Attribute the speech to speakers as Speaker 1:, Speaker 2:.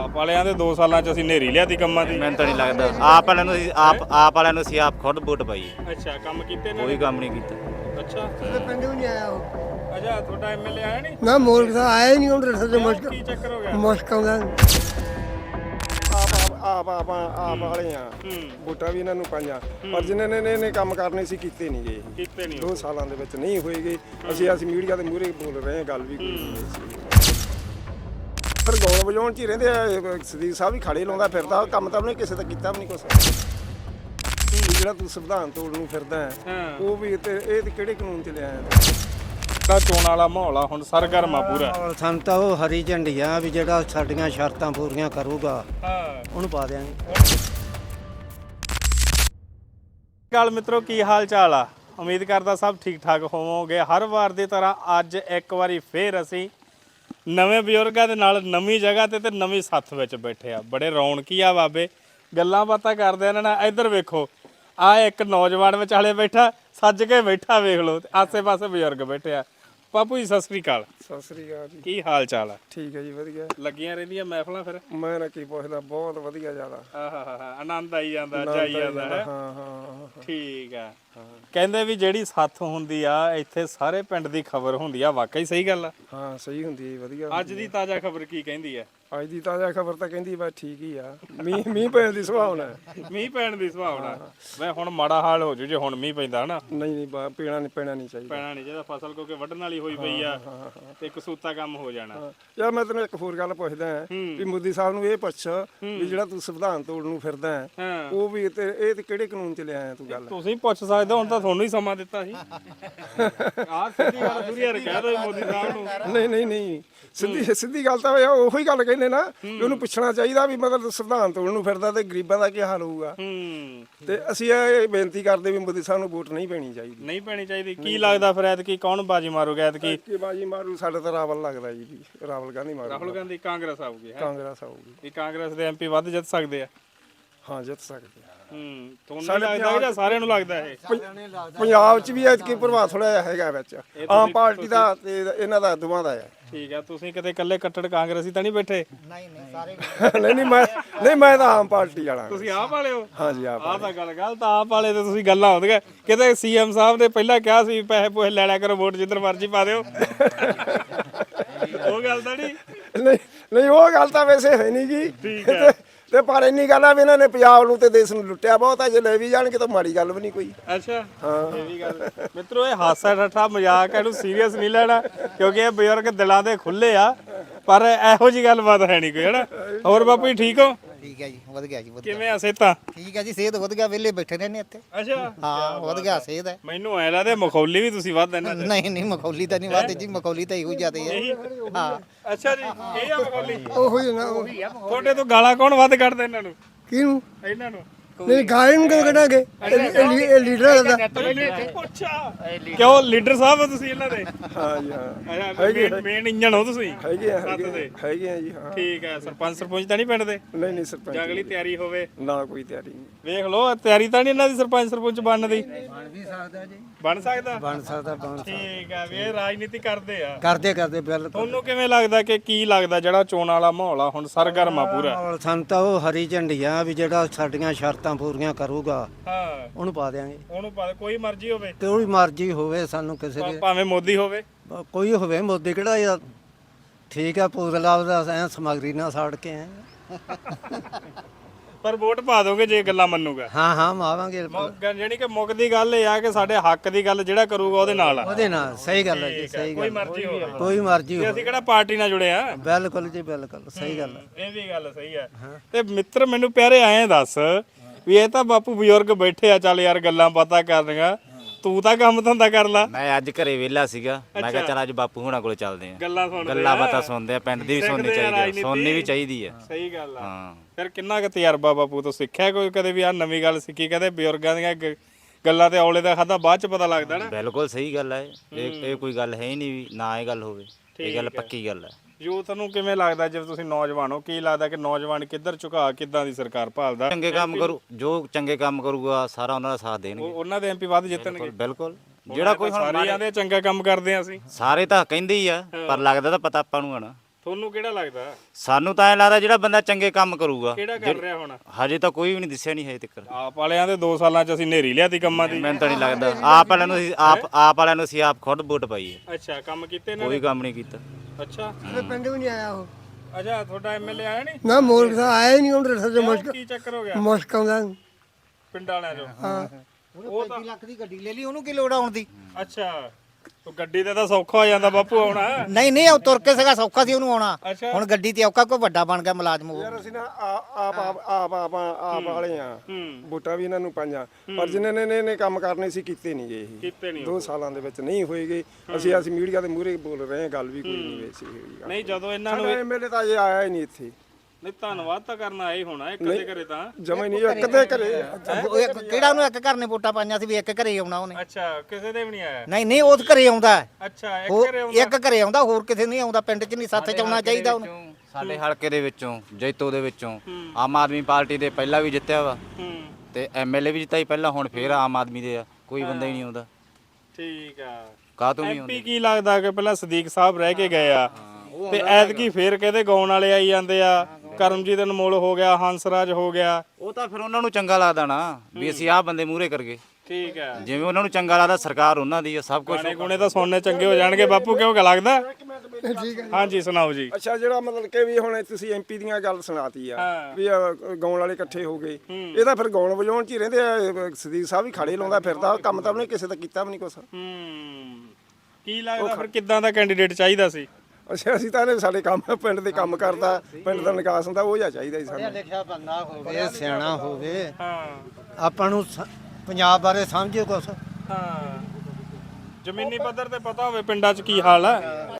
Speaker 1: ਆਪ ਵਾਲਿਆਂ ਦੇ 2 ਸਾਲਾਂ 'ਚ ਅਸੀਂ ਨੇਰੀ ਲਿਆਤੀ ਕੰਮਾਂ ਦੀ।
Speaker 2: ਮੈਨੂੰ ਤਾਂ ਨਹੀਂ ਲੱਗਦਾ ਆਪ ਵਾਲਿਆਂ ਨੂੰ ਆਪ ਵਾਲਿਆਂ ਨੂੰ ਅਸੀਂ ਆਪ ਖੁਦ ਵੋਟ ਪਾਈ।
Speaker 1: ਅੱਛਾ, ਕੰਮ ਕੀਤੇ ਨੇ?
Speaker 2: ਕੋਈ ਕੰਮ ਨਹੀਂ ਕੀਤਾ।
Speaker 1: ਅੱਛਾ,
Speaker 3: ਪਿੰਡ ਵੀ ਨਹੀਂ ਆਇਆ ਉਹ।
Speaker 1: ਅੱਛਾ, ਤੁਹਾਡਾ ਐਮਐਲਏ ਆਇਆ ਨਹੀਂ?
Speaker 3: ਨਾ ਮੋਲਕ ਤਾਂ ਆਇਆ ਹੀ ਨਹੀਂ, ਹੁਣ ਰਸਤੇ ਮੁਸ਼ਕ
Speaker 1: ਕੀ ਚੱਕਰ ਹੋ ਗਿਆ?
Speaker 3: ਮੁਸ਼ਕ ਆਉਂਦਾ।
Speaker 4: ਆਪ ਵਾਲੇ ਆ ਵੋਟਾਂ ਵੀ ਇਹਨਾਂ ਨੂੰ ਪਾਈਆਂ, ਪਰ ਜਿਨ੍ਹਾਂ ਨੇ ਇਹਨੇ ਕੰਮ ਕਰਨੇ ਸੀ ਕੀਤੇ ਨਹੀਂ ਗਏ।
Speaker 1: ਕੀਤੇ ਨਹੀਂ
Speaker 4: 2 ਸਾਲਾਂ ਦੇ ਵਿੱਚ ਨਹੀਂ ਹੋਏਗੇ। ਅਸੀਂ ਮੀਡੀਆ ਦੇ ਮੂਹਰੇ ਬੋਲ ਰਹੇ ਹਾਂ, ਗੱਲ ਵੀ ਕੋਈ ਨਹੀਂ ਸੀ। ਪਰ ਗਾਉਣ ਵਜਾਉਣ 'ਚ ਹੀ ਰਹਿੰਦੇ ਆ। ਸਦੀਕ ਸਾਹਿਬ ਵੀ ਖੜੇ ਲਾਉਂਦਾ ਫਿਰਦਾ, ਕੰਮ ਤਾਂ ਉਹਨੇ ਕਿਸੇ ਦਾ ਕੀਤਾ ਵੀ ਨਹੀਂ ਕੁਛ। ਜਿਹੜਾ ਤੂੰ ਸੰਵਿਧਾਨ ਤੋੜਨ ਨੂੰ ਫਿਰਦਾ ਹੈ, ਉਹ ਵੀ ਤੇ ਇਹ ਤੇ ਕਿਹੜੇ ਕਾਨੂੰਨ 'ਚ ਲਿਆ
Speaker 1: ਤਾਂ ਚੋਣ ਵਾਲਾ ਮਾਹੌਲ ਆ ਹੁਣ ਸਰਗਰਮ ਆ ਪੂਰਾ।
Speaker 5: ਸਾਨੂੰ ਤਾਂ ਉਹ ਹਰੀ ਝੰਡੀ ਆ ਵੀ ਜਿਹੜਾ ਸਾਡੀਆਂ ਸ਼ਰਤਾਂ ਪੂਰੀਆਂ ਕਰੂਗਾ ਉਹਨੂੰ ਪਾ ਦਿਆਂਗੇ।
Speaker 1: ਗੱਲ ਮਿੱਤਰੋ, ਕੀ ਹਾਲ ਚਾਲ ਆ? ਉਮੀਦ ਕਰਦਾ ਸਭ ਠੀਕ ਠਾਕ ਹੋਵੋਗੇ। ਹਰ ਵਾਰ ਦੀ ਤਰ੍ਹਾਂ ਅੱਜ ਇੱਕ ਵਾਰੀ ਫੇਰ ਅਸੀਂ ਨਵੇਂ ਬਜ਼ੁਰਗਾਂ ਦੇ ਨਾਲ ਨਵੀਂ ਜਗ੍ਹਾ ਤੇ ਨਵੀਂ ਸੱਥ ਵਿੱਚ ਬੈਠੇ ਆ। ਬੜੇ ਰੌਣਕੀ ਆ ਬਾਬੇ, ਗੱਲਾਂ ਬਾਤਾਂ ਕਰਦੇ ਇਹਨਾਂ ਨਾਲ। ਇੱਧਰ ਵੇਖੋ, ਆ ਇੱਕ ਨੌਜਵਾਨ ਵਿਚਾਲੇ ਬੈਠਾ, ਸੱਜ ਕੇ ਬੈਠਾ, ਵੇਖ ਲਓ। ਆਸੇ ਪਾਸੇ ਬਜ਼ੁਰਗ ਬੈਠੇ ਆ। ਬਾਪੂ ਜੀ ਸਤਿ ਸ੍ਰੀ ਅਕਾਲ।
Speaker 4: ਸਤਿ ਸ੍ਰੀ ਅਕਾਲ ਜੀ।
Speaker 1: ਕੀ ਹਾਲ ਚਾਲ ਆ?
Speaker 4: ਠੀਕ ਹੈ ਜੀ, ਵਧੀਆ
Speaker 1: ਲੱਗੀਆਂ ਰਹਿੰਦੀਆਂ ਮਹਿਫਲਾਂ ਫਿਰ?
Speaker 4: ਮੈਂ ਨਾ ਕੀ ਪੁੱਛਦਾ, ਬਹੁਤ ਵਧੀਆ ਜ਼ਿਆਦਾ।
Speaker 1: ਆਹਾ, ਆਨੰਦ ਆਈ ਜਾਂਦਾ, ਜਾਈ ਜਾਂਦਾ ਹੈ।
Speaker 4: ਹਾਂ
Speaker 1: ਠੀਕ ਆ। ਕਹਿੰਦੇ ਵੀ ਜਿਹੜੀ ਸੱਥ ਹੁੰਦੀ ਆ ਇੱਥੇ ਸਾਰੇ ਪਿੰਡ ਦੀ ਖਬਰ ਹੁੰਦੀ ਆ, ਵਾਕਈ ਸਹੀ ਗੱਲ ਆ?
Speaker 4: ਹਾਂ ਸਹੀ ਹੁੰਦੀ ਹੈ, ਵਧੀਆ।
Speaker 1: ਅੱਜ ਦੀ ਤਾਜ਼ਾ ਖਬਰ ਕੀ ਕਹਿੰਦੀ ਆ?
Speaker 4: ਅੱਜ ਦੀ ਤਾਜ਼ਾ ਖਬਰ ਤਾਂ ਕਹਿੰਦੀ ਬਸ ਠੀਕ ਹੀ ਆ। ਮੀਂਹ ਪੈਣ ਦੀ ਸੰਭਾਵਨਾ ਹੈ।
Speaker 1: ਮੀਂਹ ਪੈਣ ਦੀ ਸੰਭਾਵਨਾ। ਮੈਂ ਹੁਣ ਮਾੜਾ ਹਾਲ ਹੋ ਜੂ ਜੇ ਹੁਣ ਮੀਂਹ ਪੈਂਦਾ ਹਨਾ।
Speaker 4: ਨਹੀਂ ਪੈਣਾ ਨਹੀਂ ਚਾਹੀਦਾ।
Speaker 1: ਪੈਣਾ ਨਹੀਂ ਚਾਹੀਦਾ, ਫਸਲ ਕਿਉਂਕਿ ਵੱਢਣ ਵਾਲੀ ਹੋਈ ਪਈ ਆ ਤੇ ਕਸੂਤਾ ਕੰਮ ਹੋ ਜਾਣਾ।
Speaker 4: ਯਾਰ ਮੈਂ ਤੈਨੂੰ ਇੱਕ ਹੋਰ ਗੱਲ ਪੁੱਛਦਾ ਵੀ ਮੋਦੀ ਸਾਹਿਬ ਨੂੰ ਇਹ ਪੁੱਛ ਵੀ ਜਿਹੜਾ ਤੂੰ ਸੰਵਿਧਾਨ ਤੋੜਨ ਨੂੰ ਫਿਰਦਾ ਹੈ, ਉਹ ਵੀ ਤੇ ਇਹ ਤੇ ਕਿਹੜੇ ਕਾਨੂੰਨ 'ਚ ਲਿਆਇਆ ਤੂੰ? ਗੱਲ
Speaker 1: ਤੁਸੀਂ ਪੁੱਛ ਸਕਦੇ ਹੋ, ਹੁਣ ਤਾਂ ਤੁਹਾਨੂੰ ਹੀ ਸਮਾਂ ਦਿੱਤਾ ਸੀ। ਆਹ ਸਿੱਧੀ ਗੱਲ ਦੁਨੀਆ ਕਹਿ ਦੋ ਮੋਦੀ ਸਾਹਿਬ ਨੂੰ।
Speaker 4: ਨਹੀਂ ਸਿੱਧੀ ਗੱਲ ਤਾਂ ਉਹੀ ਗੱਲ ਕਹਿੰਦੇ ਨਾ ਵੀ ਉਹਨੂੰ ਪੁੱਛਣਾ ਚਾਹੀਦਾ ਵੀ ਮਤਲਬ ਸੰਵਿਧਾਨ ਤੋੜਨ ਨੂੰ ਫਿਰਦਾ ਤੇ ਗਰੀਬਾਂ ਦਾ ਕੀ ਹਾਲ ਹੋਊਗਾ। ਤੇ ਅਸੀਂ ਇਹ ਬੇਨਤੀ ਕਰਦੇ ਵੀ ਮੋਦੀ ਸਾਹਿਬ ਨੂੰ ਵੋਟ ਨਹੀਂ ਪੈਣੀ ਚਾਹੀਦੀ।
Speaker 1: ਨਹੀਂ ਪੈਣੀ ਚਾਹੀਦੀ। ਕੀ ਲੱਗਦਾ ਫਿਰ ਐਤਕੀ ਕੌਣ ਬਾਜੀ ਮਾਰੂਗਾ? ਐਤਕੀ
Speaker 4: ਕੀ ਬਾਜੀ ਮਾਰੂ? ਸਾਡੇ ਤਾਂ ਰਾਵਲ ਲੱਗਦਾ ਜੀ, ਰਾਵਲ ਗਾਂਧੀ ਮਾਰੂ।
Speaker 1: ਰਾਹੁਲ ਗਾਂਧੀ ਕਾਂਗਰਸ ਆਊਗੀ?
Speaker 4: ਕਾਂਗਰਸ ਆਊਗੀ।
Speaker 1: ਇਹ ਕਾਂਗਰਸ ਦੇ ਐਮਪੀ ਵੱਧ ਜਿੱਤ ਸਕਦੇ ਆ?
Speaker 4: ਹਾਂ ਜਿੱਤ ਸਕਦੇ ਆ।
Speaker 1: ਤੁਹਾਨੂੰ ਲੱਗਦਾ ਜਾਂ ਸਾਰਿਆਂ ਨੂੰ ਲੱਗਦਾ ਇਹ?
Speaker 4: ਪੰਜਾਬ 'ਚ ਵੀ ਐਤਕੀ ਪ੍ਰਭਾਵ ਥੋੜਾ ਜਿਹਾ ਹੈਗਾ ਵਿੱਚ, ਆਮ ਪਾਰਟੀ ਦਾ ਤੇ ਇਹਨਾਂ ਦਾ ਦੋਵਾਂ ਦਾ ਹੈ।
Speaker 1: ਠੀਕ ਆ। ਤੁਸੀਂ ਕਿਤੇ ਇਕੱਲੇ ਕੱਟੜ ਕਾਂਗਰਸੀ ਤਾਂ ਨਹੀਂ ਬੈਠੇ?
Speaker 5: ਨਹੀਂ ਸਾਰੇ
Speaker 4: ਨਹੀਂ ਮੈਂ ਤਾਂ ਆਮ ਪਾਰਟੀ ਵਾਲਾ।
Speaker 1: ਤੁਸੀਂ ਆਪ ਵਾਲੇ ਹੋ?
Speaker 4: ਹਾਂਜੀ ਆਪ।
Speaker 1: ਆਹ ਤਾਂ ਗੱਲ ਗਲਤ। ਆਪ ਵਾਲੇ ਤੇ ਤੁਸੀਂ ਗੱਲਾਂ ਹੁੰਦੀਆਂ। ਕਿਤੇ ਸੀਐਮ ਸਾਹਿਬ ਨੇ ਪਹਿਲਾਂ ਕਿਹਾ ਸੀ ਪੈਸੇ ਪੂਸੇ ਲੈ ਲਿਆ ਕਰੋ, ਵੋਟ ਜਿੱਧਰ ਮਰਜ਼ੀ ਪਾ ਦਿਓ। ਉਹ ਗੱਲ ਤਾਂ
Speaker 4: ਨਹੀਂ ਉਹ ਗੱਲ ਤਾਂ ਵੈਸੇ ਹੈ ਨਹੀਂ ਜੀ। ਤੇ ਪਰ ਇੰਨੀ ਗੱਲ ਆ ਵੀ ਇਹਨਾਂ ਨੇ ਪੰਜਾਬ ਨੂੰ ਤੇ ਦੇਸ਼ ਨੂੰ ਲੁੱਟਿਆ ਬਹੁਤ ਆ। ਜੇ ਲੈ ਵੀ ਜਾਣਗੇ ਤਾਂ ਮਾੜੀ ਗੱਲ ਵੀ ਨਹੀਂ ਕੋਈ।
Speaker 1: ਅੱਛਾ, ਇਹ ਵੀ ਗੱਲ। ਮਿੱਤਰੋ, ਇਹ ਹਾਸਾ ਠੱਠਾ ਮਜ਼ਾਕ ਹੈ, ਇਹਨੂੰ ਸੀਰੀਅਸ ਨਹੀਂ ਲੈਣਾ ਕਿਉਂਕਿ ਇਹ ਬਜ਼ੁਰਗ ਦਿਲਾਂ ਦੇ ਖੁੱਲੇ ਆ, ਪਰ ਇਹੋ ਜੀ ਗੱਲਬਾਤ ਹੈ ਨਹੀਂ ਕੋਈ, ਹੈਨਾ? ਹੋਰ ਬਾਪੂ ਜੀ ਠੀਕ ਹੋ?
Speaker 5: ਠੀਕ ਹੈ ਜੀ, ਵਧੀਆ ਜੀ, ਵਧੀਆ।
Speaker 1: ਕਿਵੇਂ ਆ ਸਿਹਤਾਂ?
Speaker 5: ਠੀਕ ਹੈ ਜੀ, ਸਿਹਤ ਵਧੀਆ, ਵਿਹਲੇ ਬੈਠੇ ਰਹਿੰਦੇ ਇੱਥੇ।
Speaker 1: ਅੱਛਾ,
Speaker 5: ਹਾਂ ਵਧੀਆ ਸਿਹਤ ਹੈ।
Speaker 1: ਮੈਨੂੰ ਐ ਲੱਗਦਾ ਮਖੌਲੀ ਵੀ ਤੁਸੀਂ ਵੱਧ ਇਹਨਾਂ ਚ।
Speaker 5: ਨਹੀਂ ਮਖੌਲੀ ਤਾਂ ਨਹੀਂ ਵੱਧਦੇ ਜੀ, ਮਖੌਲੀ ਤਾਂ ਇਹੋ ਜਿਆਦੇ ਹੈ। ਹਾਂ
Speaker 1: ਅੱਛਾ ਜੀ, ਇਹ ਆ ਮਖੌਲੀ?
Speaker 3: ਉਹੀ ਨਾ
Speaker 1: ਤੁਹਾਡੇ ਤੋਂ ਗਾਲਾਂ ਕੌਣ ਵੱਧ ਕੱਢਦਾ ਇਹਨਾਂ ਨੂੰ?
Speaker 3: ਕਿਹਨੂੰ?
Speaker 1: ਇਹਨਾਂ ਨੂੰ?
Speaker 3: ਨਹੀਂ ਗਾਇਨ ਨੂੰ ਕਿਉਂ ਕੱਢਾਂਗੇ? ਇਹ ਲੀਡਰ ਦਾ।
Speaker 1: ਅੱਛਾ, ਕਿਉਂ ਲੀਡਰ ਸਾਹਿਬ ਹੋ ਤੁਸੀਂ ਇਹਨਾਂ ਦੇ?
Speaker 4: ਹਾਂ ਜੀ ਹਾਂ,
Speaker 1: ਮੇਨ ਇੰਜਣ ਹੋ ਤੁਸੀਂ
Speaker 4: ਹੈਗੇ ਆ ਜੀ। ਹਾਂ
Speaker 1: ਠੀਕ ਹੈ। ਸਰਪੰਚ ਤਾਂ ਨਹੀਂ ਪਿੰਡ ਦੇ?
Speaker 4: ਨਹੀਂ ਸਰਪੰਚ
Speaker 1: ਜਾਂ ਅਗਲੀ ਤਿਆਰੀ ਹੋਵੇ?
Speaker 4: ਨਾ ਕੋਈ ਤਿਆਰੀ ਨਹੀਂ।
Speaker 1: ਵੇਖ ਲਓ, ਤਿਆਰੀ ਤਾਂ ਨਹੀਂ ਇਹਨਾਂ ਦੀ ਸਰਪੰਚ ਬਣਨ ਦੀ?
Speaker 5: ਬਣ ਵੀ ਸਕਦਾ ਜੀ,
Speaker 1: ਬਣ ਸਕਦਾ?
Speaker 5: ਬਣ ਸਕਦਾ।
Speaker 1: ਠੀਕ ਹੈ, ਵੀ ਇਹ ਰਾਜਨੀਤੀ ਕਰਦੇ ਆ।
Speaker 5: ਕਰਦੇ ਬਿਲਕੁਲ।
Speaker 1: ਤੁਹਾਨੂੰ ਕਿਵੇਂ ਲੱਗਦਾ ਕਿ ਕੀ ਲੱਗਦਾ ਜਿਹੜਾ ਚੋਣ ਵਾਲਾ ਮਾਹੌਲ ਆ ਹੁਣ ਸਰਗਰਮ ਆ ਪੂਰਾ?
Speaker 5: ਸਾਨੂੰ ਤਾਂ ਉਹ ਹਰੀ ਝੰਡੀ ਆ ਵੀ ਜਿਹੜਾ ਸਾਡੀਆਂ ਸ਼ਰਤਾਂ ਪੂਰੀਆਂ ਕਰੂਗਾ
Speaker 1: ਹਾਂ,
Speaker 5: ਉਹਨੂੰ ਪਾ ਦਿਆਂਗੇ।
Speaker 1: ਉਹਨੂੰ ਕੋਈ ਮਰਜ਼ੀ ਹੋਵੇ?
Speaker 5: ਤੇ ਉਹਦੀ ਮਰਜ਼ੀ ਹੋਵੇ, ਸਾਨੂੰ ਕਿਸੇ ਦੀ
Speaker 1: ਭਾਵੇਂ ਮੋਦੀ ਹੋਵੇ।
Speaker 5: ਕੋਈ ਹੋਵੇ, ਮੋਦੀ ਕਿਹੜਾ ਯਾਰ। ਠੀਕ ਆ, ਪੂਤਲਾ ਦਾ ਐ ਸਮਗਰੀ ਨਾਲ ਸਾੜ ਕੇ ਐ।
Speaker 1: ਪਰ ਵੋਟ ਪਾ ਦੋਗੇ ਜੇ ਗੱਲਾਂ ਮੰਨੂਗਾ?
Speaker 5: ਹਾਂ ਮਾਵਾਂਗੇ।
Speaker 1: ਜਾਨੀ ਕਿ ਮੁੱਖ ਦੀ ਗੱਲ ਇਹ ਆ ਕਿ ਸਾਡੇ ਹੱਕ ਦੀ ਗੱਲ ਜਿਹੜਾ ਕਰੂਗਾ ਉਹਦੇ ਨਾਲ ਆ।
Speaker 5: ਉਹਦੇ ਨਾਲ। ਸਹੀ ਗੱਲ ਹੈ ਜੀ, ਸਹੀ
Speaker 1: ਕੋਈ
Speaker 5: ਗੱਲ।
Speaker 1: ਮਰਜ਼ੀ ਹੋਵੇ,
Speaker 5: ਕੋਈ ਮਰਜ਼ੀ ਹੋਵੇ।
Speaker 1: ਅਸੀਂ ਕਿਹੜਾ ਪਾਰਟੀ ਨਾਲ ਜੁੜੇ ਆ?
Speaker 5: ਬਿਲਕੁਲ ਜੀ, ਬਿਲਕੁਲ ਸਹੀ ਗੱਲ ਹੈ।
Speaker 1: ਇਹ ਵੀ ਗੱਲ ਸਹੀ ਆ। ਤੇ ਮਿੱਤਰ ਮੈਨੂੰ ਪਿਆਰੇ ਐਂ ਦੱਸ ਵੀ ਇਹ ਤਾਂ ਬਾਪੂ ਬਜ਼ੁਰਗ ਬੈਠੇ ਆ, ਚੱਲ ਯਾਰ ਗੱਲਾਂ ਬਾਤਾਂ ਕਰਨੀਆਂ, ਤੂੰ ਤਾਂ ਕੰਮ ਧੰਦਾ ਕਰ ਲਾ।
Speaker 2: ਮੈਂ ਅੱਜ ਘਰੇ ਵਿਹਲਾ ਸੀਗਾ, ਮੈਂ ਕਿਹਾ ਚੱਲ ਅੱਜ ਬਾਪੂ ਹੁਣਾਂ ਕੋਲ ਚੱਲਦੇ ਆ,
Speaker 1: ਗੱਲਾਂ
Speaker 2: ਬਾਤਾਂ ਸੁਣਦੇ ਆ। ਪਿੰਡ ਦੀ ਵੀ ਸੁਣਨੀ ਚਾਹੀਦੀ ਆ, ਸੁਣਨੀ ਵੀ ਚਾਹੀਦੀ ਆ।
Speaker 1: ਸਹੀ ਗੱਲ ਆ।
Speaker 2: ਹਾਂ,
Speaker 1: ਫਿਰ ਕਿੰਨਾ ਕੁ ਤਜਰਬਾ ਬਾਪੂ ਤੋਂ ਸਿੱਖਿਆ ਕੋਈ ਕਦੇ ਵੀ ਆ ਨਵੀਂ ਗੱਲ ਸਿੱਖੀ? ਕਦੇ ਬਜ਼ੁਰਗਾਂ ਦੀਆਂ ਗੱਲਾਂ ਤੇ ਔਲੇ ਦਾ ਖਾਦਾ ਬਾਅਦ ਚ ਪਤਾ ਲੱਗਦਾ ਨਾ।
Speaker 2: ਬਿਲਕੁਲ ਸਹੀ ਗੱਲ ਹੈ। ਇਹ ਕੋਈ ਗੱਲ ਹੈ ਹੀ ਨਹੀਂ ਵੀ ਨਾ ਇਹ ਗੱਲ ਹੋਵੇ। ਇਹ ਗੱਲ ਪੱਕੀ ਗੱਲ ਹੈ।
Speaker 1: ਯੂਥ ਨੂੰ ਕਿਵੇਂ ਲੱਗਦਾ, ਜਿਵੇਂ ਤੁਸੀਂ ਨੌਜਵਾਨ ਹੋ, ਕੀ ਲੱਗਦਾ ਕਿ ਨੌਜਵਾਨ ਕਿੱਧਰ ਝੁਕਾ, ਕਿੱਦਾਂ ਦੀ ਸਰਕਾਰ ਭਾਲਦਾ?
Speaker 2: ਚੰਗੇ ਕੰਮ ਕਰੂ, ਜੋ ਚੰਗੇ ਕੰਮ ਕਰੂਗਾ ਸਾਰਾ ਉਹਨਾਂ ਦਾ ਸਾਥ ਦੇਣਗੇ।
Speaker 1: ਉਹਨਾਂ ਦੇ ਐਮਪੀ ਵੱਧ ਜਿੱਤਣਗੇ?
Speaker 2: ਬਿਲਕੁਲ। ਜਿਹੜਾ ਕੋਈ ਹੁਣ
Speaker 1: ਸਾਰੇ ਆਂਦੇ ਚੰਗਾ ਕੰਮ ਕਰਦੇ ਆ ਅਸੀਂ।
Speaker 2: ਸਾਰੇ ਤਾਂ ਕਹਿੰਦੇ ਹੀ ਆ, ਪਰ ਲੱਗਦਾ ਤਾਂ ਪਤਾ ਆਪਾਂ ਨੂੰ ਆ ਨਾ।
Speaker 1: ਤੁਹਾਨੂੰ ਕਿਹੜਾ ਲੱਗਦਾ?
Speaker 2: ਸਾਨੂੰ ਤਾਂ ਐ ਲੱਗਦਾ ਜਿਹੜਾ ਬੰਦਾ ਚੰਗੇ ਕੰਮ ਕਰੂਗਾ।
Speaker 1: ਕਿਹੜਾ ਕਰ ਰਿਹਾ ਹੁਣ?
Speaker 2: ਹਜੇ ਤਾਂ ਕੋਈ ਵੀ ਨਹੀਂ ਦਿਸਿਆ ਨਹੀਂ ਹਜੇ ਤੱਕ।
Speaker 1: ਆਪ ਵਾਲਿਆਂ ਦੇ 2 ਸਾਲਾਂ 'ਚ ਅਸੀਂ ਨੇਰੀ ਲਿਆਤੀ ਕੰਮਾਂ ਦੀ।
Speaker 2: ਮੈਨੂੰ ਤਾਂ ਨਹੀਂ ਲੱਗਦਾ। ਆਪ ਵਾਲਿਆਂ ਨੂੰ ਅਸੀਂ ਆਪ ਖੁਦ ਵੋਟ ਪਾਈ ਹੈ।
Speaker 1: ਅੱਛਾ, ਕੰਮ ਕੀਤੇ ਇਹਨਾਂ
Speaker 2: ਕੋਈ
Speaker 1: ਨੇ?
Speaker 2: ਕੰਮ ਨਹੀਂ ਕੀਤਾ।
Speaker 1: ਅੱਛਾ
Speaker 3: ਪਿੰਡ ਵੀ ਨਹੀਂ ਆਇਆ ਉਹ।
Speaker 1: ਅੱਛਾ, ਤੁਹਾਡਾ ਐਮਐਲਏ ਆਇਆ ਨਹੀਂ?
Speaker 3: ਨਾ ਮੋਲਕ ਸਾਹਿਬ ਆਇਆ ਹੀ ਨਹੀਂ, ਉਹਦੇ ਰਸਤੇ ਮੁਸ਼ਕ
Speaker 1: ਕੀ ਚੱਕਰ ਹੋ ਗਿਆ
Speaker 3: ਮੁਸ਼ਕ ਆਉਂਦਾ।
Speaker 1: ਪਿੰਡ ਵਾਲਿਆਂ ਚੋਂ?
Speaker 3: ਹਾਂ,
Speaker 5: ਉਹ 35 ਲੱਖ ਦੀ ਗੱਡੀ ਲੈ ਲਈ, ਉਹਨੂੰ ਕੀ ਲੋੜ ਆਉਣ ਦੀ?
Speaker 1: ਅੱਛਾ, ਉਹ ਗੱਡੀ ਤੇ ਤਾਂ ਸੌਖਾ ਹੋ ਜਾਂਦਾ ਬਾਪੂ ਆਉਣਾ।
Speaker 5: ਨਹੀਂ ਉਹ ਤੁਰ ਕੇ ਸੀਗਾ, ਸੌਖਾ ਸੀ ਉਹਨੂੰ ਆਉਣਾ।
Speaker 1: ਅੱਛਾ।
Speaker 5: ਹੁਣ ਗੱਡੀ ਤੇ ਔਖਾ, ਕੋਈ ਵੱਡਾ ਬਣ ਗਿਆ ਮੁਲਾਜ਼ਮ ਉਹ।
Speaker 4: ਯਾਰ ਅਸੀਂ ਨਾ ਆਪ ਵਾਲੇ ਆ, ਵੋਟਾਂ ਵੀ ਇਹਨਾਂ ਨੂੰ ਪਾਈਆਂ, ਪਰ ਜਿਨ੍ਹਾਂ ਨੇ ਕੰਮ ਕਰਨੇ ਸੀ ਕੀਤੇ ਨਹੀਂ ਗਏ। ਇਹ
Speaker 1: ਕੀਤੇ ਨਹੀਂ
Speaker 4: 2 ਸਾਲਾਂ ਦੇ ਵਿੱਚ ਨਹੀਂ ਹੋਏਗੇ। ਅਸੀਂ ਮੀਡੀਆ ਦੇ ਮੂਹਰੇ ਬੋਲ ਰਹੇ ਹਾਂ, ਗੱਲ ਵੀ ਕੋਈ ਨਹੀਂ ਹੋਈ ਸੀ।
Speaker 1: ਨਹੀਂ, ਜਦੋਂ ਇਹਨਾਂ ਨੂੰ
Speaker 4: ਸਾਡਾ ਐਮਐਲਏ ਤਾਂ ਅਜੇ ਆਇਆ ਹੀ ਨਹੀਂ ਇੱਥੇ।
Speaker 1: ਨਹੀਂ, ਧੰਨਵਾਦ ਤਾਂ ਕਰਨਾ ਇਹ ਹੋਣਾ ਇੱਕ ਦੇ ਘਰੇ ਤਾਂ।
Speaker 4: ਜਮਾ ਹੀ ਨਹੀਂ, ਇੱਕ ਦੇ ਘਰੇ।
Speaker 5: ਕਿਹੜਾ ਉਹਨੂੰ ਇੱਕ ਘਰ ਨੇ ਵੋਟਾਂ ਪਾਈਆਂ ਸੀ ਵੀ ਇੱਕ ਘਰੇ ਆਉਣਾ ਉਹਨੇ?
Speaker 1: ਅੱਛਾ, ਕਿਸੇ ਦੇ ਵੀ ਨਹੀਂ ਆਇਆ?
Speaker 5: ਨਹੀਂ ਉਹ ਘਰੇ ਆਉਂਦਾ ਹੈ।
Speaker 1: ਅੱਛਾ, ਇੱਕ
Speaker 5: ਉਹ
Speaker 1: ਘਰੇ ਆਉਂਦਾ।
Speaker 5: ਇੱਕ ਘਰੇ ਆਉਂਦਾ, ਹੋਰ ਕਿਸੇ ਨਹੀਂ ਆਉਂਦਾ। ਪਿੰਡ 'ਚ ਨਹੀਂ, ਸੱਥ 'ਚ ਆਉਣਾ ਚਾਹੀਦਾ ਉਹਨੂੰ।
Speaker 2: ਸਾਡੇ ਹਲਕੇ ਦੇ ਵਿੱਚੋਂ, ਜੈਤੋ ਦੇ ਵਿੱਚੋਂ ਆਮ ਆਦਮੀ ਪਾਰਟੀ ਦੇ ਪਹਿਲਾਂ ਵੀ ਜਿੱਤਿਆ ਵਾ ਤੇ ਐਮਐਲਏ ਵੀ ਜਿੱਤਾ ਹੀ ਪਹਿਲਾਂ, ਹੁਣ ਫੇਰ ਆਮ ਆਦਮੀ ਦੇ ਆ। ਕੋਈ ਬੰਦਾ ਹੀ ਨਹੀਂ ਆਉਂਦਾ।
Speaker 1: ਠੀਕ ਆ।
Speaker 2: ਕਾਹ ਤੋਂ ਨਹੀਂ
Speaker 1: ਐਮਪੀ
Speaker 2: ਆਉਂਦਾ?
Speaker 1: ਕੀ ਲੱਗਦਾ ਕਿ ਪਹਿਲਾਂ ਸਦੀਕ ਸਾਹਿਬ ਰਹਿ ਕੇ ਗਏ ਆ ਤੇ ਐਤਕੀ ਫੇਰ ਕਹਿੰਦੇ ਗਾਉਣ ਵਾਲੇ ਆਈ ਜਾਂਦੇ ਆ। ਕਰਮਜੀਤ ਅਨਮੋਲ ਹੋ ਗਿਆ, ਹੰਸਰਾਜ ਹੋ ਗਿਆ।
Speaker 2: ਉਹ ਤਾਂ ਫਿਰ ਉਹਨਾਂ ਨੂੰ ਚੰਗਾ ਲੱਗਦਾ ਨਾ ਵੀ ਅਸੀਂ ਆਹ ਬੰਦੇ ਮੂਹਰੇ ਕਰਗੇ।
Speaker 1: ਠੀਕ ਆ।
Speaker 2: ਜਿਵੇਂ ਉਹਨਾਂ ਨੂੰ ਚੰਗਾ ਲੱਗਦਾ, ਸਰਕਾਰ ਉਹਨਾਂ ਦੀ ਆ, ਸਭ ਕੁਝ।
Speaker 1: ਗਾਣੇ ਗੁਣੇ ਤਾਂ ਸੁਣਨੇ ਚੰਗੇ ਹੋ ਜਾਣਗੇ ਬਾਪੂ, ਕਿਉਂ ਕਿ ਲੱਗਦਾ? ਹਾਂਜੀ, ਸੁਣਾਓ ਜੀ।
Speaker 4: ਅੱਛਾ, ਜਿਹੜਾ ਮਤਲਬ ਕਿ ਵੀ ਹੁਣ ਤੁਸੀਂ ਐਮਪੀ ਦੀਆਂ ਗੱਲ ਸੁਣਾਤੀ ਆ ਵੀ ਗਾਉਣ ਵਾਲੇ ਇਕੱਠੇ ਹੋ ਗਏ, ਇਹ ਤਾਂ ਫਿਰ ਗਾਉਣ ਵਜਾਉਣ 'ਚ ਹੀ ਰਹਿੰਦੇ ਆ। ਸਦੀਕ ਸਾਹਿਬ ਵੀ ਖੜੇ ਲਾਉਂਦਾ ਫਿਰਦਾ, ਕੰਮ ਤਾਂ ਉਹਨੇ ਕਿਸੇ ਦਾ ਕੀਤਾ ਵੀ ਨਹੀਂ ਕੁਛ।
Speaker 1: ਕੀ ਲੱਗਦਾ ਫਿਰ ਕਿੱਦਾਂ ਦਾ ਕੈਂਡੀਡੇਟ ਚਾਹੀਦਾ ਸੀ?
Speaker 4: ਅੱਛਾ, ਅਸੀਂ ਤਾਂ ਸਾਡੇ ਕੰਮ, ਪਿੰਡ ਦੇ ਕੰਮ ਕਰਦਾ, ਪਿੰਡ ਦਾ ਨਿਕਾਸ ਹੁੰਦਾ, ਉਹ ਜਿਹਾ ਚਾਹੀਦਾ ਸੀ ਸਾਨੂੰ।
Speaker 5: ਲਿਖਿਆ ਬੰਦਾ ਹੋਵੇ, ਸਿਆਣਾ ਹੋਵੇ,
Speaker 1: ਹਾਂ
Speaker 5: ਆਪਾਂ ਨੂੰ ਪੰਜਾਬ ਬਾਰੇ ਸਮਝੇ ਕੁਛ।
Speaker 1: ਹਾਂ, ਜ਼ਮੀਨੀ ਪੱਧਰ ਤੇ ਪਤਾ ਹੋਵੇ ਪਿੰਡਾਂ 'ਚ ਕੀ ਹਾਲ ਹੈ।